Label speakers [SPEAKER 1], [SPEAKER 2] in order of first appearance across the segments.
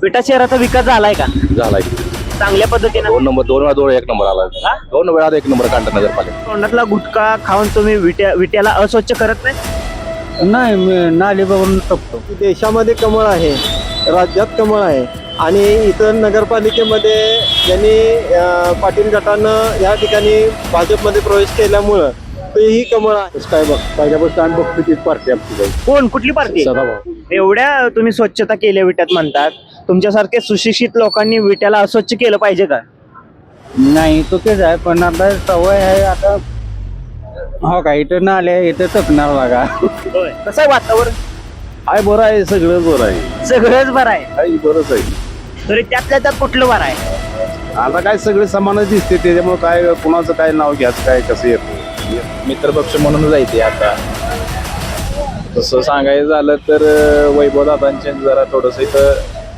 [SPEAKER 1] विटा शहराचा विकास झालाय का
[SPEAKER 2] झालाय
[SPEAKER 1] चांगल्या पद्धतीने?
[SPEAKER 2] 2 वेळा 1 नंबर आला. 2 वेळा 1 नंबर काढला नगरपालिका.
[SPEAKER 1] तोंडातला गुटखा खाऊन तुम्ही विट्याला अस्वच्छ करत नाही?
[SPEAKER 3] नाही मी नाली बघून टपतो.
[SPEAKER 4] देशामध्ये कमळ आहे, राज्यात कमळ आहे आणि इतर नगरपालिकेमध्ये ज्यांनी पाटील गटानं या ठिकाणी भाजपमध्ये प्रवेश केल्यामुळं तेही कमळ आहे.
[SPEAKER 2] काय बघ पहिल्यापासून आम्ही बघतो तीच पार्टी आमची.
[SPEAKER 1] कोण कुठली पार्टी?
[SPEAKER 2] सदाभाऊ.
[SPEAKER 1] एवढ्या तुम्ही स्वच्छता केल्या विट्यात म्हणतात, तुमच्यासारखे सुशिक्षित लोकांनी विट्याला अस्वच्छ केलं पाहिजे का?
[SPEAKER 3] नाही तो तेच आहे, पण आता सवय आहे आता. हो का, इथं नाले इथं टपणार बघा.
[SPEAKER 1] कसं आहे वातावरण?
[SPEAKER 2] आहे बरं आहे, सगळं बरं आहे.
[SPEAKER 1] सगळंच बरं आहे.
[SPEAKER 2] काही बरंच आहे.
[SPEAKER 1] तरी त्यातल्या त्यात कुठलं बरं आहे?
[SPEAKER 2] आता काय सगळे समानच दिसते, त्याच्यामुळे काय कुणाचं काय नाव घ्यायचं काय कसं येतं. मित्रपक्ष म्हणून जायचे आता. तसं सांगायचं झालं तर वैभव दादांचे जरा थोडस इथं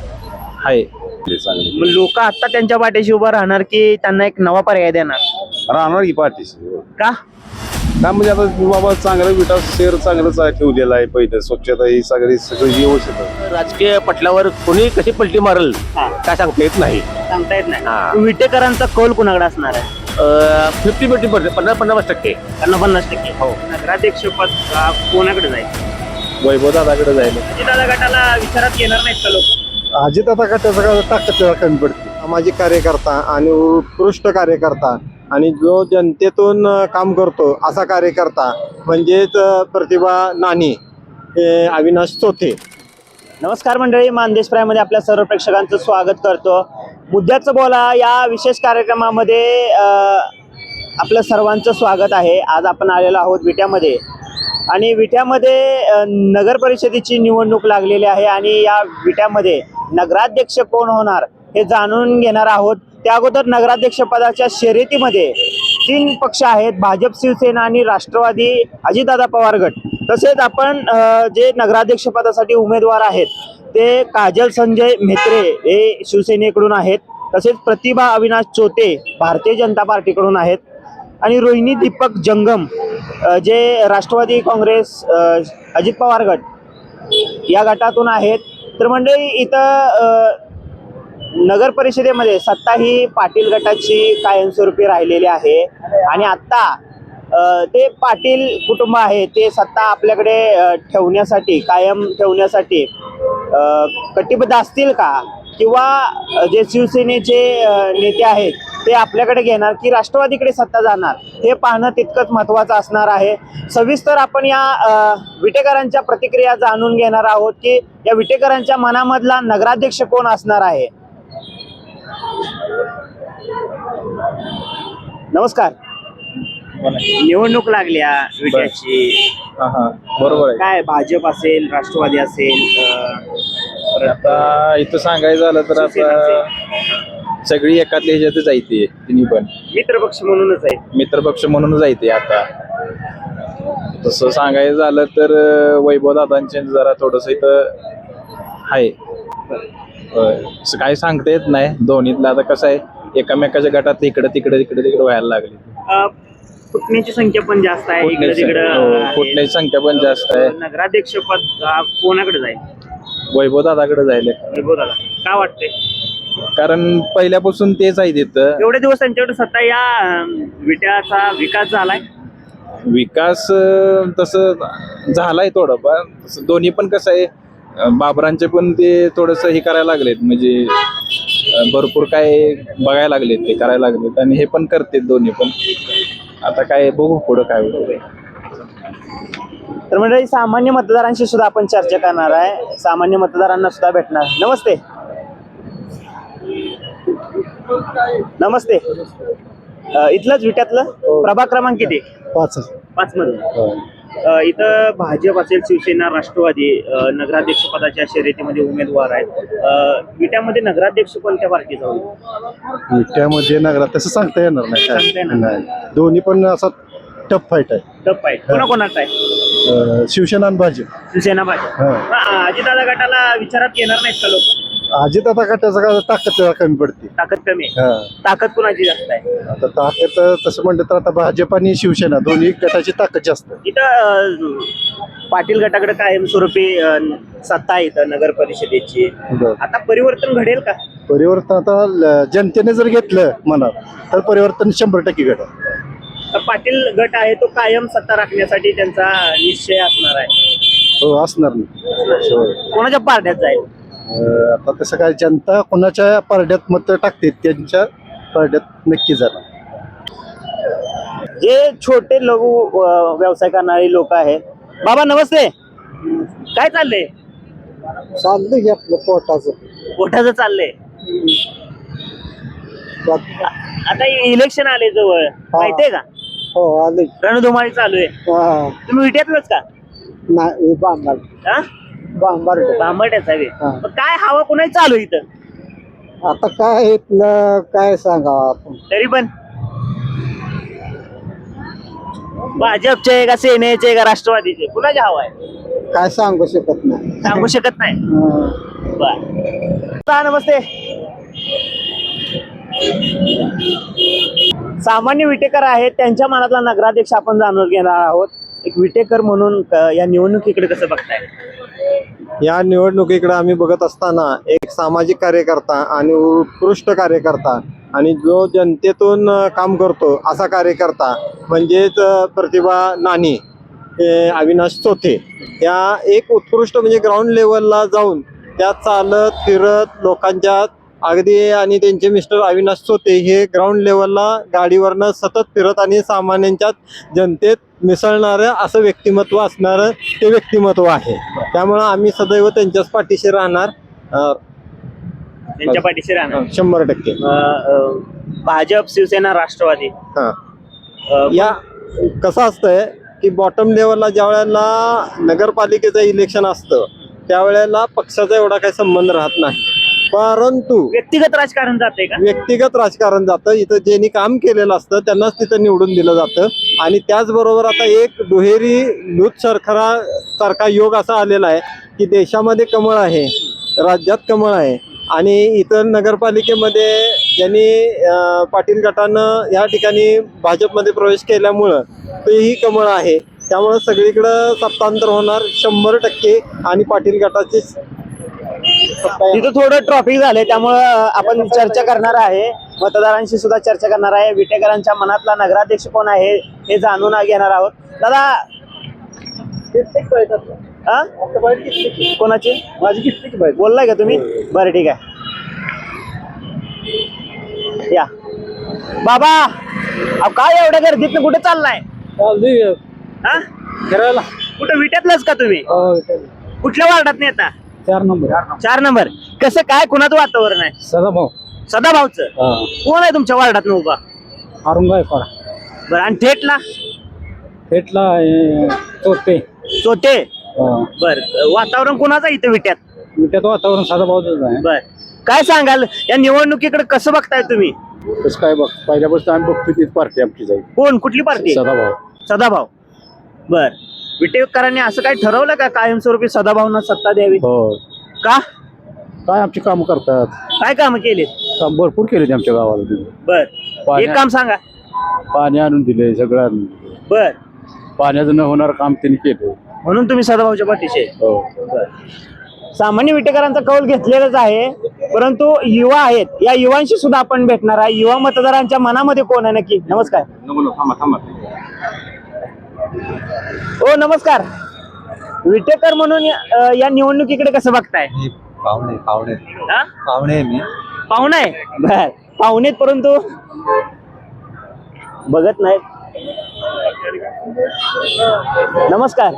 [SPEAKER 2] आहे
[SPEAKER 1] मग लोक आता त्यांच्या पाठीशी उभं राहणार की त्यांना एक नवा पर्याय देणार?
[SPEAKER 2] राहणार की पाठीशी.
[SPEAKER 1] का?
[SPEAKER 2] का म्हणजे आता बाबा चांगलं विटा शहर चांगलंच आहे, ठेवलेलं आहे. पहिलं स्वच्छता ही सगळी व्यवस्थित आहे. राजकीय पटल्यावर कोणी कशी पलटी मारल काय सांगता येत नाही.
[SPEAKER 1] सांगता येत नाही. विटेकरांचा कौल कुणाकडे असणार आहे?
[SPEAKER 2] 50-50 50%
[SPEAKER 1] 50%
[SPEAKER 2] हो.
[SPEAKER 1] नगराध्यक्ष पद कोणाकडे जाईल?
[SPEAKER 2] वैभव दादाकडे जायला.
[SPEAKER 1] दादा गटाला विचारात घेणार नाहीत का लोक?
[SPEAKER 4] अजित आता त्याचा ताकद कमी पडते. सामाजिक कार्यकर्ता आणि उत्कृष्ट कार्यकर्ता आणि जो जनतेतून काम करतो असा कार्यकर्ता म्हणजेच प्रतिभा नानी हे अविनाश चोथे.
[SPEAKER 1] नमस्कार मंडळी, मानदेश प्रायमध्ये आपल्या सर्व प्रेक्षकांचं स्वागत करतो. मुद्द्याचं बोला या विशेष कार्यक्रमामध्ये आपलं सर्वांचं स्वागत आहे. आज आपण आलेलो आहोत विट्यामध्ये आणि विट्यामध्ये नगर परिषदेची निवडणूक लागलेली आहे आणि या विट्यामध्ये नगराध्यक्ष कोण होणार हे जाणून घेणार आहोत. त्या अगोदर नगराध्यक्ष पदाच्या शर्यतीमध्ये 3 पक्ष आहेत, भाजप, शिवसेना आणि राष्ट्रवादी अजितदादा पवार गट. तसेच आपण जे नगराध्यक्ष पदासाठी उमेदवार आहेत ते काजल संजय म्हेत्रे हे शिवसेनेकडून आहेत, तसेच प्रतिभा अविनाश चोते भारतीय जनता पार्टीकडून आहेत आणि रोहिणी दीपक जंगम जे राष्ट्रवादी काँग्रेस अजित पवार गट या गटातून आहेत. तर मंडळी इथं नगर परिषदेमध्ये सत्ता ही पाटील गटाची कायमस्वरूपी राहिलेली आहे आणि आता ते पाटील कुटुंब आहे ते सत्ता आपल्याकडे ठेवण्यासाठी कायम ठेवण्यासाठी कटिबद्ध असतील का, किंवा जे शिवसेनेचे नेते आहेत ते आपल्याकडे घेणार की राष्ट्रवादीकडे सत्ता जाणार हे पाहणं तितकंच महत्त्वाचं असणार आहे. सविस्तर आपण या विटेकरांच्या प्रतिक्रिया जाणून घेणार आहोत की या विटेकरांच्या मनामधला नगराध्यक्ष कोण असणार आहे. नमस्कार. निवडणूक लागल्या विट्याची,
[SPEAKER 2] बरोबर आहे.
[SPEAKER 1] काय भाजप असेल, राष्ट्रवादी असेल,
[SPEAKER 2] आता इथं सांगायचं झालं तर आता सगळी एकातल्या ह्याच्यातच जायते. तिन्ही पण
[SPEAKER 1] मित्रपक्ष म्हणूनच आहे.
[SPEAKER 2] मित्रपक्ष म्हणून जायते. आता तसं सांगायचं झालं तर वैभव दादांचे जरा थोडस इथं आहे. काय सांगता येत नाही दोन्हीतलं. आता कसं आहे एकामेकाच्या गटात इकडे तिकडे व्हायला लागले.
[SPEAKER 1] फुटण्याची संख्या पण जास्त आहे, इकडे तिकडे
[SPEAKER 2] फुटण्याची संख्या पण जास्त आहे.
[SPEAKER 1] नगराध्यक्ष पद कोणाकडे जाईल?
[SPEAKER 2] वैभव दादाकडे जायला.
[SPEAKER 1] वैभव दादा का वाटतंय?
[SPEAKER 2] कारण पहिल्यापासून तेच आहे तिथं.
[SPEAKER 1] एवढे दिवस त्यांच्याकडे सत्ता, या विट्याचा विकास झालाय?
[SPEAKER 2] विकास तसं झालाय थोडंफार. तसं दोन्ही पण कसं आहे बाबरांचे पण ते थोडस हे करायला लागलेत, म्हणजे भरपूर काय बघायला लागलेत, ते करायला लागलेत आणि हे पण करतात दोन्ही पण. आता काय बघू पुढं काय होतं.
[SPEAKER 1] तर म्हणजे सामान्य मतदारांशी सुद्धा आपण चर्चा करणार आहे, सामान्य मतदारांना सुद्धा भेटणार. नमस्ते. नमस्ते. इथलंच विट्यातलं प्रभाग क्रमांक किती? 5 मध्ये. इथं भाजप असेल, शिवसेना, राष्ट्रवादी नगराध्यक्ष पदाच्या शर्यतीमध्ये उमेदवार आहेत. विट्यामध्ये नगराध्यक्ष कोणत्या पार्टीचा होईल?
[SPEAKER 4] विट्यामध्ये नगरात तसं सांगता येणार
[SPEAKER 1] सांगता येणार
[SPEAKER 4] नाही. दोन्ही पण असा टफ फाईट आहे.
[SPEAKER 1] टप आहे. कोणाकोणाचा आहे?
[SPEAKER 4] शिवसेना आणि भाजप.
[SPEAKER 1] शिवसेना भाजप. अजितदादा गटाला विचारात घेणार नाहीत का लोक?
[SPEAKER 4] अजित आता गटाचा काय ताकद जरा कमी पडते.
[SPEAKER 1] ताकद कमी आहे.
[SPEAKER 4] हा.
[SPEAKER 1] ताकद कुणाची जास्त आहे?
[SPEAKER 4] आता ताकद तसं म्हणलं तर आता भाजप आणि शिवसेना दोन्ही गटाची ताकद जास्त आहे.
[SPEAKER 1] इथं पाटील गटाकडे कायमस्वरूपी सत्ता आहे इथं नगर परिषदेची.
[SPEAKER 4] बरं.
[SPEAKER 1] आता परिवर्तन घडेल का?
[SPEAKER 4] परिवर्तन आता जनतेने जर घेतलं मनात तर परिवर्तन 100% घडेल.
[SPEAKER 1] तर पाटील गट आहे तो कायम सत्ता राखण्यासाठी त्यांचा निश्चय असणार आहे.
[SPEAKER 4] हो असणार नाही. होय.
[SPEAKER 1] कोणाच्या पारड्यात जाईल?
[SPEAKER 4] आता तसं काय जनता कोणाच्या पारड्यात मत टाकते त्यांच्या पारड्यात नक्की जाणार.
[SPEAKER 1] जे छोटे लघु व्यवसाय करणारे लोक आहेत. बाबा नमस्ते, काय चाललंय?
[SPEAKER 4] चाललंय की आपलं
[SPEAKER 1] पोटाचं चाललंय. आता इलेक्शन आले जवळ, माहितीये का?
[SPEAKER 4] हो आले.
[SPEAKER 1] रणधुमाळी चालू आहे. तुम्ही विट्यातलंच का?
[SPEAKER 4] नाही
[SPEAKER 1] हा? बांबरट्याचा आहे. मग काय हवा कुणाची चालू आहे इथं?
[SPEAKER 4] आता काय इथलं काय सांगावं आपण.
[SPEAKER 1] तरी पण भाजपचे का सेनेचे का राष्ट्रवादीचे कुणाची हवा आहे?
[SPEAKER 4] काय सांगू शकत नाही.
[SPEAKER 1] सांगू शकत नाही. बर. नमस्ते. सामान्य विटेकर आहेत, त्यांच्या मनातला नगराध्यक्ष आपण जाणून घेणार आहोत. एक विटेकर म्हणून या निवडणुकीकडे कसं बघताय?
[SPEAKER 4] या निवडणुकीकडे आम्ही बघत असताना एक सामाजिक कार्यकर्ता आणि उत्कृष्ट कार्यकर्ता आणि जो जनतेतून काम करतो असा कार्यकर्ता म्हणजेच प्रतिभा नानी, अविनाश चोथे या एक उत्कृष्ट म्हणजे ग्राउंड लेवलला जाऊन त्या चालत फिरत लोकांच्या अगदी आणि त्यांचे मिस्टर अविनाश चोथे हे ग्राउंड लेवलला गाडीवरनं सतत फिरत आणि सामान्यांच्या जनतेत मिसळणारं असं व्यक्तिमत्व असणारं ते व्यक्तिमत्व आहे. त्यामुळं आम्ही सदैव त्यांच्याच पाठीशी राहणार.
[SPEAKER 1] त्यांच्या पाठीशी राहणार
[SPEAKER 4] 100%.
[SPEAKER 1] भाजप शिवसेना राष्ट्रवादी
[SPEAKER 4] हा. या कसं असतंय की बॉटम लेवलला ज्या वेळेला नगरपालिकेचं इलेक्शन असतं त्यावेळेला पक्षाचा एवढा काही संबंध राहत नाही, परंतु
[SPEAKER 1] व्यक्तिगत राजकारण जाते का?
[SPEAKER 4] व्यक्तिगत राजकारण जातं. इथं ज्यांनी काम केलेलं असतं त्यांनाच तिथं निवडून दिलं जातं. आणि त्याचबरोबर आता एक दुहेरी दूध सरखरा सारखा योग असा आलेला आहे की देशामध्ये कमळ आहे, राज्यात कमळ आहे आणि इतर नगरपालिकेमध्ये ज्यांनी पाटील गटानं या ठिकाणी भाजपमध्ये प्रवेश केल्यामुळं तेही कमळ आहे. त्यामुळं सगळीकडं सत्तांतर होणार 100% आणि पाटील गटाची
[SPEAKER 1] तिथं थोडं ट्रॉफिक झालंय त्यामुळं आपण चर्चा करणार आहे, मतदारांशी सुद्धा चर्चा करणार आहे. विटेकरांच्या मनातला नगराध्यक्ष कोण आहे हे जाणून घेणार आहोत. दादा हा? कोणाची? माझी बोललाय का तुम्ही? बरं ठीक आहे, या. बाबा अहो काय एवढ्या गर्दीत कुठे चाललाय? हा?
[SPEAKER 3] फिरायला.
[SPEAKER 1] कुठं विट्यातलंच का तुम्ही? कुठल्या वार्डात येता?
[SPEAKER 3] 4 नंबर.
[SPEAKER 1] 4 नंबर. कसं काय कुणाचं वातावरण आहे?
[SPEAKER 3] सदाभाऊ.
[SPEAKER 1] सदाभाऊचं. कोण आहे तुमच्या वार्डात उभा?
[SPEAKER 3] औरंगाबाद.
[SPEAKER 1] बरं. आणि थेटला?
[SPEAKER 3] थेटला चोथे.
[SPEAKER 1] चोथे. बर. वातावरण कुणाचं आहे इथं विट्यात?
[SPEAKER 3] विट्यात वातावरण सदाभाऊच आहे.
[SPEAKER 1] बर. काय सांगाल या निवडणुकीकडे कसं बघताय तुम्ही?
[SPEAKER 3] कसं काय बघ, पहिल्यापासून आम्ही बघतो तीच पार्टी आमची जाईल.
[SPEAKER 1] कोण? कुठली पार्टी?
[SPEAKER 3] सदाभाऊ.
[SPEAKER 1] सदाभाऊ. बर. विटेकरांनी असं काय ठरवलं का कायमस्वरूपी सदाभाऊंना सत्ता द्यावी?
[SPEAKER 3] हो.
[SPEAKER 1] का?
[SPEAKER 3] काय आमची कामं करतात,
[SPEAKER 1] काय काम केले?
[SPEAKER 3] काम भरपूर केले आमच्या गावाला.
[SPEAKER 1] बर. एक काम सांगा.
[SPEAKER 3] पाणी आणून दिले सगळं आणून दिले.
[SPEAKER 1] बर.
[SPEAKER 3] पाण्याचं न होणार काम त्यांनी केलं
[SPEAKER 1] म्हणून तुम्ही सदाभाऊच्या पाठीशी?
[SPEAKER 3] हो.
[SPEAKER 1] सामान्य विटेकरांचा कौल घेतलेलाच आहे, परंतु युवा आहेत, या युवांशी सुद्धा आपण भेटणार आहे. युवा मतदारांच्या मनामध्ये कोण आहे नक्की? नमस्कार. ओ नमस्कार. विटेकर म्हणून या निवडणुकीकडे कसं बघताय?
[SPEAKER 5] पाहुणे
[SPEAKER 1] हा?
[SPEAKER 5] पाहुणे मी
[SPEAKER 1] पाहुणा आहे. बर. पाहुणेत परंतु बघत नाहीत. नमस्कार.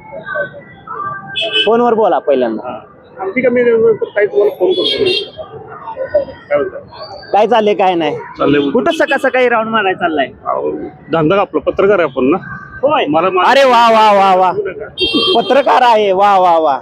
[SPEAKER 1] फोनवर बोला पहिल्यांदा. काय चाललंय काय नाही? कुठं सकाळ सकाळी राऊंड मारायला चाललाय?
[SPEAKER 6] धंदा आपला पत्रकार आहे आपण ना.
[SPEAKER 1] होय. अरे वा वा वा वा. पत्रकार आहे. वा वा वा.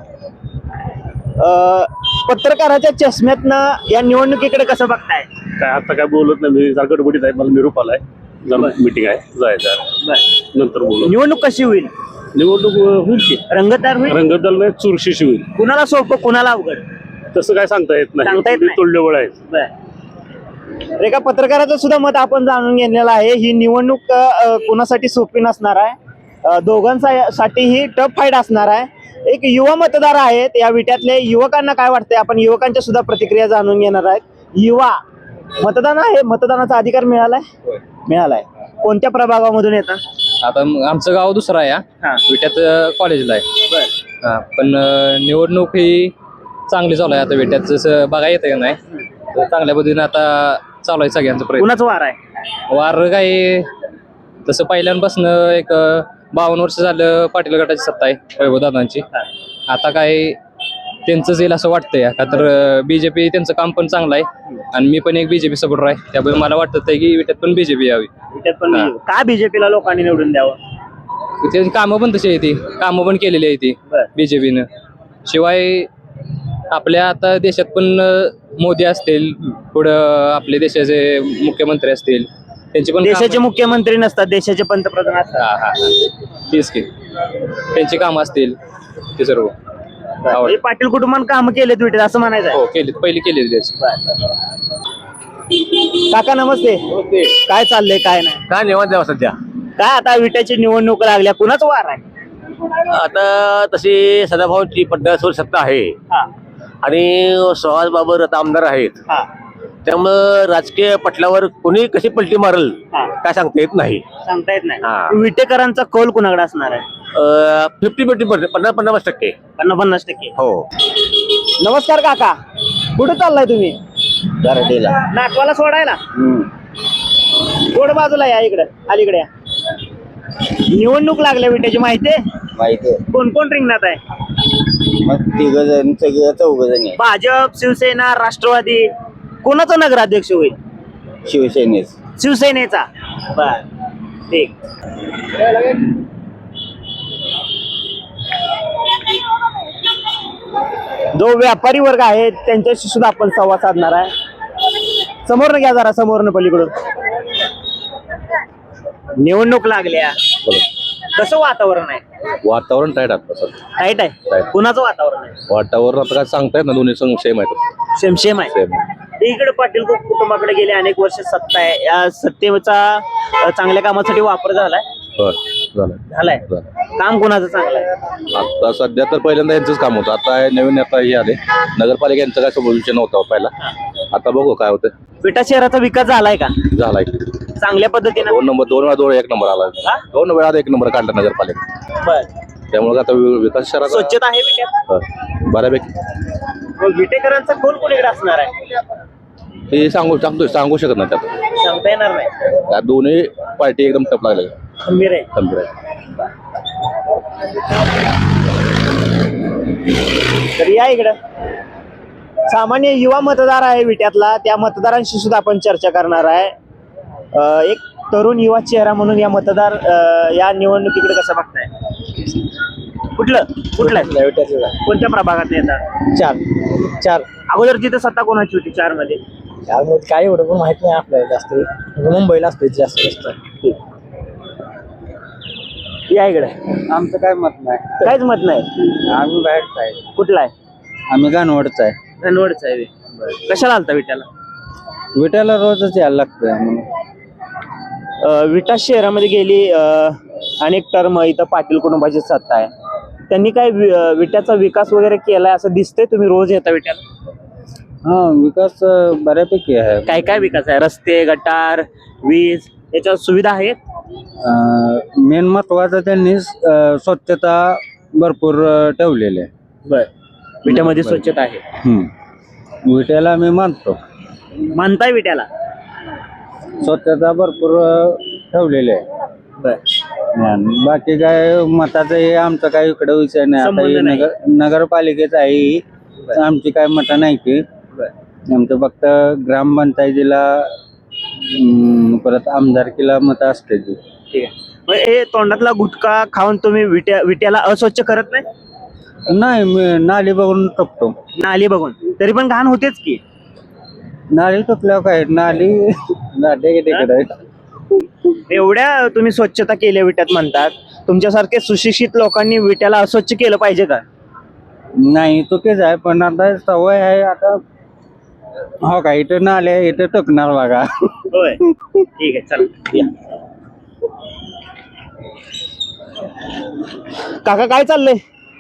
[SPEAKER 1] पत्रकाराच्या चष्म्यातनं या निवडणुकीकडे कसं बघताय?
[SPEAKER 6] काय आता काय बोलत नाही मी, जरा गडबडीत आहे, मला निरोप आलाय, जरा मीटिंग आहे, जायचं नंतर बोलू.
[SPEAKER 1] निवडणूक कशी होईल?
[SPEAKER 6] निवडणूक होईल की
[SPEAKER 1] रंगतदार होईल?
[SPEAKER 6] रंगतदार नाही, चुरशीशी होईल.
[SPEAKER 1] कुणाला सोपं कुणाला अवघड?
[SPEAKER 6] तसं काय सांगता येत
[SPEAKER 1] सांगता येत
[SPEAKER 6] नाही
[SPEAKER 1] नाही.
[SPEAKER 6] तुल्यबळ आहेत.
[SPEAKER 1] बर एका पत्रकाराचं सुद्धा मत आपण जाणून घेतलेलं आहे. ही निवडणूक कुणासाठी सोपी नसणार आहे. दोघांसाठी ही टफ फाईट असणार आहे. एक युवा मतदार आहेत या विट्यातले. युवकांना काय वाटतंय आपण युवकांच्या सुद्धा प्रतिक्रिया जाणून घेणार आहेत. युवा मतदान आहे, मतदानाचा अधिकार मिळालाय? मिळालाय. कोणत्या प्रभागामधून येतात?
[SPEAKER 5] आता आमचं गाव दुसरं आहे
[SPEAKER 1] हा.
[SPEAKER 5] विट्यात कॉलेजला आहे. हा, पण निवडणूक ही चांगली चालू आहे आता विट्यात. जसं बघा येतं का नाही तर चांगल्या पद्धतीने आता चालू आहे सगळ्यांचं प्रयत्न.
[SPEAKER 1] कुणाचं वार आहे?
[SPEAKER 5] वार काही तसं पहिल्यांपासून एक 52 वर्ष झालं पाटील गटाची सत्ता आहे वैभवदादांची. आता काय त्यांचंच येईल असं वाटतंय का तर बीजेपी त्यांचं काम पण चांगलं आहे आणि मी पण एक बीजेपी सपोर्टर आहे. त्यामुळे मला वाटत आहे की विट्यात पण बीजेपी यावी.
[SPEAKER 1] विट्यात पण का बीजेपीला लोकांनी निवडून द्यावं?
[SPEAKER 5] त्यांची कामं पण तशी आहे ती, कामं पण केलेली आहे ती
[SPEAKER 1] बरं.
[SPEAKER 5] बीजेपीनं. शिवाय आपल्या आता देशात पण मोदी असतील, पुढं आपले देशाचे मुख्यमंत्री असतील, त्यांची पण
[SPEAKER 1] देशाचे मुख्यमंत्री नसतात, देशाचे पंतप्रधान असतात.
[SPEAKER 5] तेच की त्यांची कामं असतील ते सर्व
[SPEAKER 1] म्हणजे पाटील कुटुंबानं काम केलेत विट्यात असं म्हणायचं
[SPEAKER 5] हो केली पहिली केलेली त्याची.
[SPEAKER 1] काका नमस्ते. काय चाललंय काय नाही?
[SPEAKER 7] काय निवांत आहे सध्या.
[SPEAKER 1] काय आता विट्याची निवडणूक लागल्या, कुणाच वार आहे?
[SPEAKER 7] आता तशी सदाभाऊची पड्डासवर सत्ता आहे
[SPEAKER 1] हा,
[SPEAKER 7] आणि सुहास बाबर आता आमदार आहेत.
[SPEAKER 1] हा,
[SPEAKER 7] त्यामुळं राजकीय पटलावर कोणी कशी पलटी मारल
[SPEAKER 1] हा.
[SPEAKER 7] काय सांगता येत नाही.
[SPEAKER 1] सांगता येत
[SPEAKER 7] हा.
[SPEAKER 1] नाही. विटेकरांचा कौल कुणाकडे असणार आहे?
[SPEAKER 7] 50-50 50-50%.
[SPEAKER 1] 50%
[SPEAKER 7] हो.
[SPEAKER 1] नमस्कार काका, कुठे चाललाय तुम्ही?
[SPEAKER 7] गारडीला.
[SPEAKER 1] नाटवाला सोडायला? थोडं बाजूला या, इकडे अलीकडे या. निवडणूक लागल्या विट्याची माहिती आहे?
[SPEAKER 7] माहिती
[SPEAKER 1] कोण कोण रिंगणात आहे?
[SPEAKER 7] मग 3
[SPEAKER 1] भाजप, शिवसेना, राष्ट्रवादी, कोणाचा नगराध्यक्ष होईल?
[SPEAKER 7] शिवसेनेच.
[SPEAKER 1] शिवसेनेचा. बर ठीक. जो व्यापारी वर्ग आहे त्यांच्याशी सुद्धा आपण संवाद साधणार आहे. समोरनं घ्या जरा, समोरनं पलीकडून. निवडणूक लागल्या, कसं वातावरण आहे?
[SPEAKER 8] वातावरण टाईट आता
[SPEAKER 1] टाईट आहे. कुणाचं वातावरण आहे?
[SPEAKER 8] वातावरण आता काय सांगता येत ना, दोन्ही संघ सेम आहेत.
[SPEAKER 1] सेम आहे. इकडे पाटील कुटुंबाकडे गेले अनेक वर्ष सत्ता आहे. या सत्तेचा चांगल्या कामासाठी वापर झालाय. झालाय. काम कोणाचं चांगलं आहे?
[SPEAKER 8] आता सध्या तर पहिल्यांदा यांचंच काम होतं. आता नवीन आता हे आले नगरपालिका, यांचं काय विषय नव्हता पहिला. आता बघू काय होतं.
[SPEAKER 1] विटा शहराचा विकास झालाय का?
[SPEAKER 8] झालाय
[SPEAKER 1] चांगल्या पद्धतीने.
[SPEAKER 8] 2 वेळा 1 नंबर आला. 2 वेळा 1 नंबर काढला नगरपालिका.
[SPEAKER 1] बर.
[SPEAKER 8] त्यामुळे आता विकास शहराचा
[SPEAKER 1] स्वच्छता आहे विट्यात?
[SPEAKER 8] बऱ्यापैकी.
[SPEAKER 1] मग विटेकरांचा कौल कोणीकडे असणार आहे?
[SPEAKER 8] हे सांगू शकत नाही त्यात.
[SPEAKER 1] सांगता येणार नाही.
[SPEAKER 8] या दोन्ही पार्टी एकदम टप लागल्या.
[SPEAKER 1] खंबीर आहे.
[SPEAKER 8] खंबीर आहे.
[SPEAKER 1] तर या इकडं सामान्य युवा मतदार आहे विट्यातला, त्या मतदारांशी सुद्धा आपण चर्चा करणार आहे. एक तरुण युवा चेहरा म्हणून या मतदार या निवडणुकीकडे कसं बघताय? कुठलं आहे? कोणत्या प्रभागात येतात? 4 अगोदर तिथे सत्ता कोणाची होती? 4 मध्ये
[SPEAKER 9] काय एवढं पण माहित नाही आपल्याला जास्त. मुंबईला असते जास्त.
[SPEAKER 1] या इकडे.
[SPEAKER 3] आमचं काय मत नाही,
[SPEAKER 1] काहीच मत नाही.
[SPEAKER 3] आम्ही बाहेरच आहे.
[SPEAKER 1] कुठला आहे?
[SPEAKER 3] आम्ही गाणवडच आहे.
[SPEAKER 1] धनवडचा आहे. कशाला आलता विट्याला?
[SPEAKER 3] विट्याला रोजच यायला लागतं म्हणून.
[SPEAKER 1] विटा शहरामध्ये गेली अनेक टर्म इथं पाटील कुटुंबाची सत्ता आहे. त्यांनी काय विट्याचा विकास वगैरे केलाय असं दिसतंय? तुम्ही रोज येता विट्याला?
[SPEAKER 3] हा, विकास बऱ्यापैकी आहे.
[SPEAKER 1] काय काय विकास आहे? रस्ते, गटार, वीज याच्या सुविधा आहेत?
[SPEAKER 3] मेन महत्वाचं त्यांनी स्वच्छता भरपूर ठेवलेली आहे.
[SPEAKER 1] बर. विट्यामध्ये स्वच्छता आहे.
[SPEAKER 3] विट्याला आम्ही मानतो.
[SPEAKER 1] मानताय विट्याला?
[SPEAKER 3] स्वच्छता भरपूर ठेवलेली आहे.
[SPEAKER 1] बर.
[SPEAKER 3] आणि बाकी काय मताचं हे आमचं काय इकडे विषय नाही. आता
[SPEAKER 1] संबंध
[SPEAKER 3] हे
[SPEAKER 1] नाही.
[SPEAKER 3] नगरपालिकेच आहे ही. आमची काय मतं नाही ती. आमचं फक्त ग्रामपंचायतीला परत आमदारकीला मतं असते ती.
[SPEAKER 1] ठीक आहे. मग हे तोंडातला गुटखा खाऊन तुम्ही विट्याला अस्वच्छ करत नाही?
[SPEAKER 3] नाही, मी नाली बघून टपतो.
[SPEAKER 1] नाली बघून तरी पण घाण होतेच की.
[SPEAKER 3] नाली टपल्यावर काय नाली तिकडे.
[SPEAKER 1] एवढ्या तुम्ही स्वच्छता केल्या विट्यात म्हणतात, तुमच्यासारखे सुशिक्षित लोकांनी विट्याला अस्वच्छ केलं पाहिजे का?
[SPEAKER 3] नाही चुकीच आहे, पण आता सवय आहे आता. हो का, इथं नाले इथं टकणार बघा.
[SPEAKER 1] होय ठीक आहे चला या. काका काय चाललंय?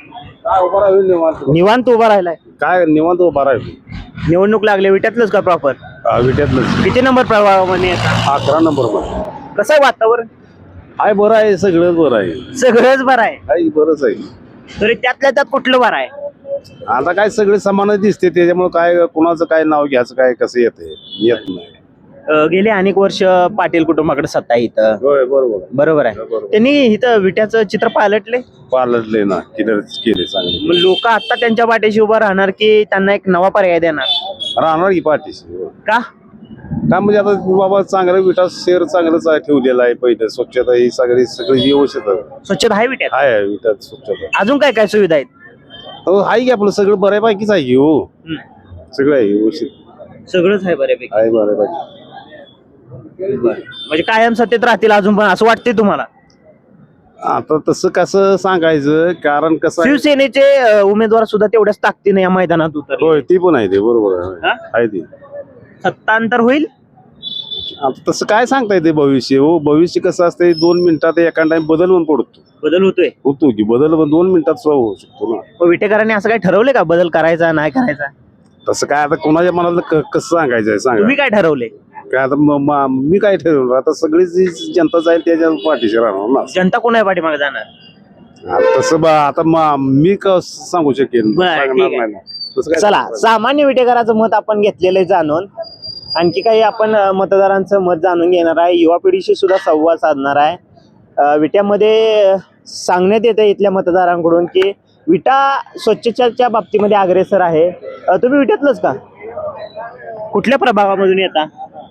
[SPEAKER 1] निवांत उभा राहिलाय.
[SPEAKER 6] काय निवांत उभा राहिलो.
[SPEAKER 1] निवडणूक लागले विट्यातलंच का प्रॉपर?
[SPEAKER 6] विट्यातलं
[SPEAKER 1] किती नंबर प्रभागामध्ये येतात?
[SPEAKER 6] 11 नंबर
[SPEAKER 1] कसं आहे वातावरण?
[SPEAKER 6] आहे, बरं आहे, सगळंच बरं आहे.
[SPEAKER 1] सगळंच बरं आहे.
[SPEAKER 6] आहे बरंच आहे.
[SPEAKER 1] तरी त्यातल्या त्यात कुठलं बरं आहे?
[SPEAKER 6] आता काय सगळे समानच दिसते, त्याच्यामुळे काय कुणाचं काय नाव घ्यायचं काय कसं येत नाही.
[SPEAKER 1] गेले अनेक वर्ष पाटील कुटुंबाकडे सत्ता आहे इथं.
[SPEAKER 6] होय बरोबर
[SPEAKER 1] बरोबर आहे. त्यांनी इथं विट्याचं चित्र पालटले.
[SPEAKER 6] पालटले ना, केले चांगले.
[SPEAKER 1] मग लोक आता त्यांच्या पाठीशी उभं राहणार की त्यांना एक नवा पर्याय देणार?
[SPEAKER 6] राहणार की पाठीशी.
[SPEAKER 1] का?
[SPEAKER 6] का म्हणजे आता बाबा चांगलं विटा शहर चांगलंच आहे, ठेवलेलं आहे. पहिलं स्वच्छता ही सगळी व्यवस्थित आहे.
[SPEAKER 1] स्वच्छता आहे विट्यात?
[SPEAKER 6] आहे विटात स्वच्छता.
[SPEAKER 1] अजून काय काय सुविधा आहेत?
[SPEAKER 6] हो आहे की आपलं सगळं बऱ्यापैकीच आहे की. हो सगळं आहे व्यवस्थित,
[SPEAKER 1] सगळंच आहे बऱ्यापैकी.
[SPEAKER 6] आहे बऱ्यापैकी.
[SPEAKER 1] म्हणजे कायम सत्तेत राहतील अजून पण असं वाटतंय तुम्हाला?
[SPEAKER 6] आता तसं कसं सांगायचं, कारण कसं आहे.
[SPEAKER 1] शिवसेनेचे उमेदवार सुद्धा तेवढ्याच ताकदीने या मैदानात उतर.
[SPEAKER 6] होय ती पण आहे, ते बरोबर
[SPEAKER 1] हा?
[SPEAKER 6] आहे ती.
[SPEAKER 1] सत्तांतर होईल?
[SPEAKER 6] आता तसं काय सांगता येते भविष्य. हो भविष्य कसं असते, 2 मिनिटात एका टाइम बदल पण पडतो.
[SPEAKER 1] बदल होतोय?
[SPEAKER 6] होतो की बदल, पण 2 मिनिटात होऊ शकतो ना.
[SPEAKER 1] मग विटेकरांनी असं काय ठरवलंय का बदल करायचा नाही करायचा?
[SPEAKER 6] तसं काय आता कोणाच्या मनाला कसं सांगायचं आहे सांगा.
[SPEAKER 1] तुम्ही काय ठरवलंय?
[SPEAKER 6] काय आता मी काय ठरवलं, आता सगळी जी जनता जाईल त्याच्या पाठीशी राहणार ना.
[SPEAKER 1] जनता कोणा पाठीमागे जाणार?
[SPEAKER 6] आता तसं आता मी सांगू शकेन,
[SPEAKER 1] बरं,
[SPEAKER 6] सांगणार
[SPEAKER 1] ठीक आहे.
[SPEAKER 6] नाही ना. तसं काय
[SPEAKER 1] चला
[SPEAKER 6] सांगणार.
[SPEAKER 1] सामान्य विटेकराचं मत आपण घेतलेलं आहे जाणून. आणखी काही आपण मतदारांचं मत जाणून घेणार आहे. युवा पिढीशी सुद्धा संवाद साधणार आहे. विट्यामध्ये सांगण्यात येतं इथल्या मतदारांकडून की विटा स्वच्छतेच्या बाबतीमध्ये अग्रेसर आहे. तुम्ही विट्यातलंच का? कुठल्या प्रभागामधून येता?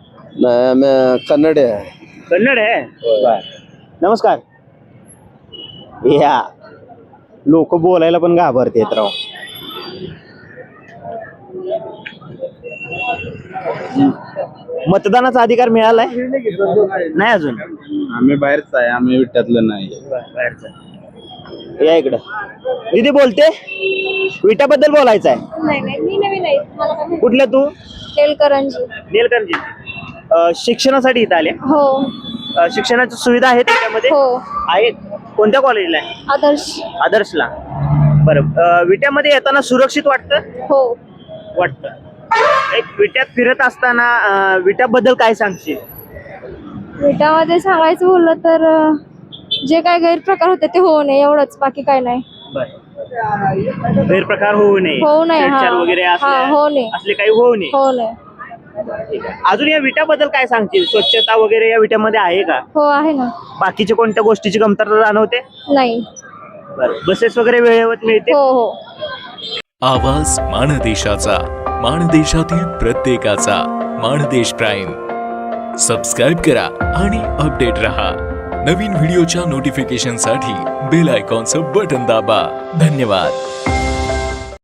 [SPEAKER 7] कन्नड आहे.
[SPEAKER 1] कन्नड आहे. बरं. नमस्कार. या लोक बोलायला पण घाबरतेत राव. मतदानाचा अधिकार मिळालाय? नाही अजून.
[SPEAKER 2] आम्ही बाहेरच आहे, आम्ही विट्यातलं नाही.
[SPEAKER 1] या इकडं. दीदी बोलते विट्याबद्दल बोलायचं आहे.
[SPEAKER 10] नाही नाही, मी नवीन आहे. मला काय माहिती?
[SPEAKER 1] कुठल्या तू?
[SPEAKER 10] तेलकरंजी.
[SPEAKER 1] नेलकंजी. शिक्षणासाठी इथं आले?
[SPEAKER 10] हो
[SPEAKER 1] शिक्षणाची सुविधा आहे त्याच्यामध्ये?
[SPEAKER 10] हो.
[SPEAKER 1] आहेत. कोणत्या कॉलेजला आहे?
[SPEAKER 10] आदर्श.
[SPEAKER 1] आदर्शला. बरं. विट्यामध्ये येताना सुरक्षित वाटतं?
[SPEAKER 10] हो.
[SPEAKER 1] वाटतं. एक विट्यात फिरत असताना विट्याबद्दल काय सांगशील?
[SPEAKER 10] विटामध्ये सांगायचं बोललं तर जे काय गैरप्रकार होते ते होऊ नये एवढंच, बाकी काय नाही.
[SPEAKER 1] गैरप्रकार होऊ नये.
[SPEAKER 10] होऊ नये.
[SPEAKER 1] छेडछाड वगैरे
[SPEAKER 10] होऊ नये.
[SPEAKER 1] असले काही होऊ नये.
[SPEAKER 10] होऊ नये.
[SPEAKER 1] अजून या विट्याबद्दल काय सांगशील? स्वच्छता वगैरे या विट्यामध्ये आहे का?
[SPEAKER 10] हो आहे ना.
[SPEAKER 1] बाकीच्या कोणत्या गोष्टीची कमतरता जाणवते?
[SPEAKER 10] नाही.
[SPEAKER 1] बसेस वगैरे वेळेवर मिळते?
[SPEAKER 10] हो हो.
[SPEAKER 11] आवाज माणदेशाचा, माणदेशातील प्रत्येकाचा. माणदेश प्राईम सबस्क्राईब करा आणि अपडेट रहा. नवीन व्हिडिओच्या नोटिफिकेशनसाठी बेल आयकॉनचं बटन दाबा. धन्यवाद.